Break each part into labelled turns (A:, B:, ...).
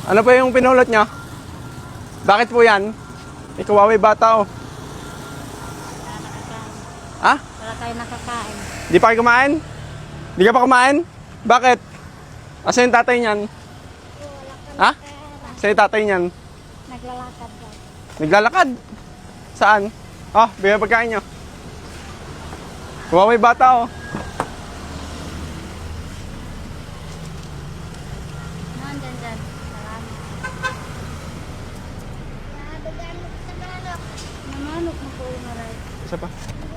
A: Ano pa yung pinulot nyo? Bakit po yan? Ikawaway bata oh.
B: Wala nakakain.
A: Ha?
B: Wala tayo nakakain.
A: Di pa kayo kumain? Di ka pa kumain? Bakit? Asa yung tatay niyan? Ha? Sa yung tatay niyan?
B: Naglalakad daw.
A: Naglalakad? Saan? Oh, bigyan pagkain nyo. Kuwaway bata oh.
B: Dyan. Salamat. Namanok mo po yung maray.
A: Isa pa.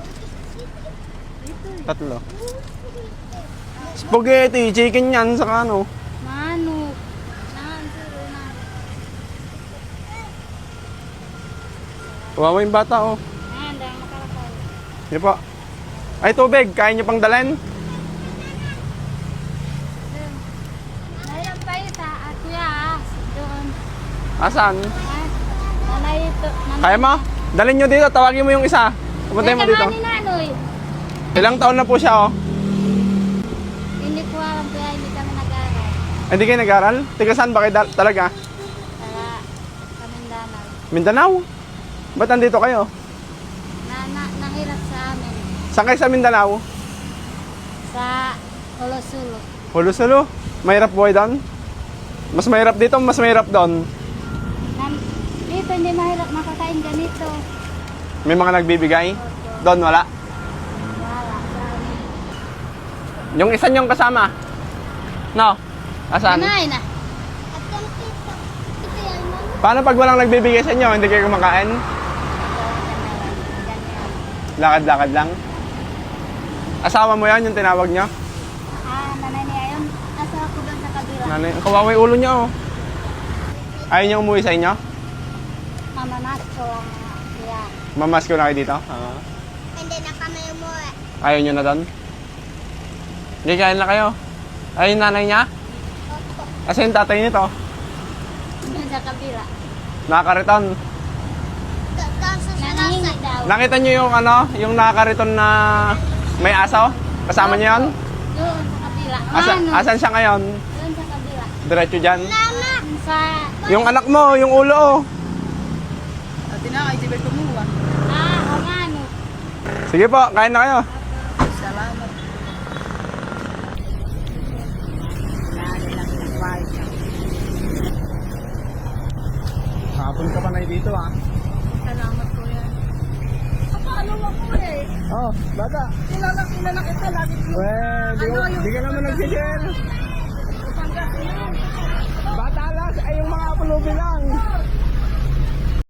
B: Ito eh.
A: Tatlo. Spaghetti, chicken yan, saka ano.
B: Manok. Nahansuro na.
A: Kuwaway bata oh.
B: Ayan, dahil makalakal.
A: Hindi po. Ay, tubig. Kain nyo pang dalhin?
B: Ayun pa yun sa kuya. Doon.
A: Asan?
B: Nanay ito.
A: Kaya mo? Dalhin nyo dito. Tawagin mo yung isa. Pumuntahin mo dito.
B: Ni Nanoy.
A: Ilang taon na po siya oh.
B: Hindi ko alam kaya hindi kami nag-aral.
A: Hindi kayo nag-aral? Tiga saan ba kayo talaga?
B: Kaya Kamindanao.
A: Mindanao? Ba't nandito kayo?
B: Nahirap sa amin.
A: Saan kayo sa Mindanao?
B: Sa Olosulo.
A: Hulusulo? Mahirap buhay doon? Mas mahirap dito, mas mahirap doon.
B: Dito hindi mahirap makakain ganito.
A: May mga nagbibigay? Doon wala?
B: Wala. Sa amin.
A: Yung isa niyong kasama? No? Asan?
B: Nanay na.
A: Paano pag walang nagbibigay sa inyo, hindi kayo kumakain? Lakad-lakad lang? Asawa mo yan, yung tinawag niyo?
B: Nanay niya yun. Asa ako doon sa kabila.
A: Nanay, ang kawaway ulo niya oh. Ayaw niyo umuwi sa inyo?
B: Mamamas ko lang siya.
A: Mamas ko na kayo dito?
B: Hindi na kami umuwi.
A: Ayaw niyo na doon? Hindi, kain na kayo. Ayaw yung nanay niya? Asa yung tatay nito?
B: Doon sa kabila.
A: Nakakariton.
B: Nangihingi daw.
A: Nakita niyo yung ano, yung nakakariton na may aso? Kasama niyo yun?
B: Doon sa kabila.
A: Asan siya ngayon?
B: Doon sa kabila.
A: Diretso dyan?
B: Sa...
A: Yung anak mo, yung ulo oh.
B: ang ano.
A: Sige po, kain na kayo.
B: Salamat.
A: Hapon ka pa na dito ah.
B: Salamat po yan. Paano mo po eh?
A: Oh, bata.
B: Kilala kita lagi.
A: Well, di ka naman nag-share. Bata lang, ay yung mga pulubi lang.